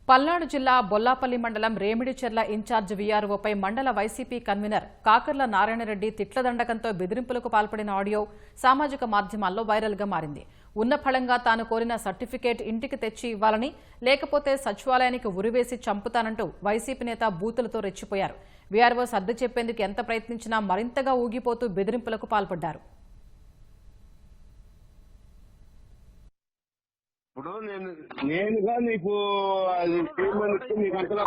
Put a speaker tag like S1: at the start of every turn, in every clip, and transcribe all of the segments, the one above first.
S1: పల్నాడు జిల్లా బొల్లాపల్లి మండలం రేమిడిచెర్ల ఇన్ఛార్జ్ వీఆర్ఓపై మండల వైసీపీ కన్వీనర్ కాకర్ల నారాయణరెడ్డి తిట్లదండకంతో బెదిరింపులకు పాల్పడిన ఆడియో సామాజిక మాధ్యమాల్లో వైరల్గా మారింది. ఉన్న ఫలంగా తాను కోరిన సర్టిఫికేట్ ఇంటికి తెచ్చి ఇవ్వాలని, లేకపోతే సచివాలయానికి ఉరివేసి చంపుతానంటూ వైసీపీ నేత బూతులతో రెచ్చిపోయారు. వీఆర్ఓ సర్ది చెప్పేందుకు ఎంత ప్రయత్నించినా మరింతగా ఊగిపోతూ బెదిరింపులకు పాల్పడ్డారు.
S2: ఇప్పుడు నేనుగా నీకు అది చేయమని నీకు అంతలా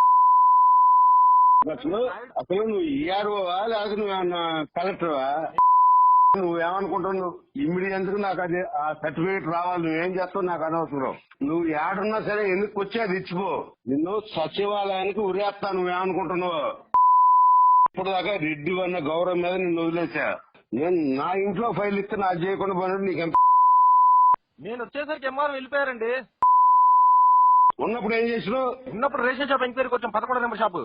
S2: అసలు నువ్వు ఈఆర్ఓవా లేకపోతే నువ్వేమన్నా కలెక్టర్వా? నువ్వేమనుకుంటున్నావు? ఇమ్మీడియట్ గా నాకు అది ఆ సర్టిఫికేట్ రావాలి. నువ్వేం చేస్తావు నాకు అనవసరం. నువ్వు ఏడున్నా సరే ఎందుకు వచ్చి అది ఇచ్చిపో. నిన్ను సచివాలయానికి ఉరేస్తా. నువ్వేమనుకుంటున్నావు? ఇప్పుడు దాకా రెడ్డి అన్న గౌరవం మీద నిన్ను వదిలేసా. నేను నా ఇంట్లో ఫైల్ ఇస్తే నాకు చేయకుండా పోయినట్టు నీకెంత.
S3: నేను వచ్చేసరికి ఎంఆర్ వెళ్ళిపోయారండి.
S2: ఉన్నప్పుడు ఏం చేసినావు?
S3: ఉన్నప్పుడు రేషన్ షాప్ ఎంక్వైరీకి వచ్చాం, 11 నెంబర్ షాపు.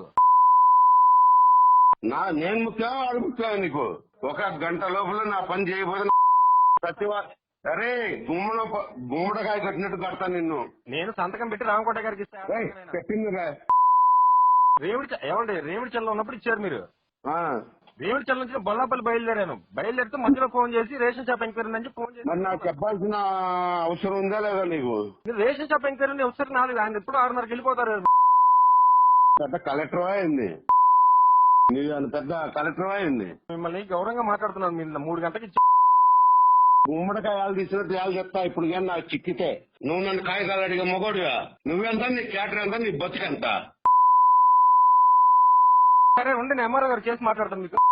S2: నేను ముఖ్యం వాడు ముఖ్యం. నీకు ఒక గంట లోపల నా పని చేయబోదు. సరే గుమ్మడికాయ కట్టినట్టు కడతాను నిన్ను.
S3: నేను సంతకం పెట్టి రామకోట గారికి
S2: పెట్టిందిరా.
S3: రేమిడిచెల్లో ఉన్నప్పుడు ఇచ్చారు మీరు. రేమిడిచెల్ల నుంచి బొల్లాపల్లి బయలుదేరాను. బయలుదేరితే మధ్యలో ఫోన్ చేసి రేషన్ షాప్ ఎంక్వైరీ నుంచి ఫోన్ చేసి
S2: మరి నాకు చెప్పాల్సిన అవసరం ఉందా లేదా? నీకు
S3: రేషన్ షాప్ ఎంక్వైరీ ఒకసారి నాలుగు, ఆయన ఎప్పుడు 6:30కి వెళ్ళిపోతారు.
S2: పెద్ద కలెక్టర్ అయింది. నీకు పెద్ద కలెక్టర్ అయింది.
S3: మిమ్మల్ని గౌరవంగా మాట్లాడుతున్నాను. మీరు 3 గంటకి
S2: గుమ్మడికాయలు తీసినట్టు యాలు చెప్తా. ఇప్పుడు కానీ నాకు చిక్కితే నువ్వు నన్ను కాయకాలు అడిగే మొగోడుగా. నువ్వెంత, నీ క్యాటర్ ఎంత, నీ బతుకెంత?
S3: సరే ఉండి నేను ఎంఆర్ఓ గారు చేసి మాట్లాడతాను మీకు.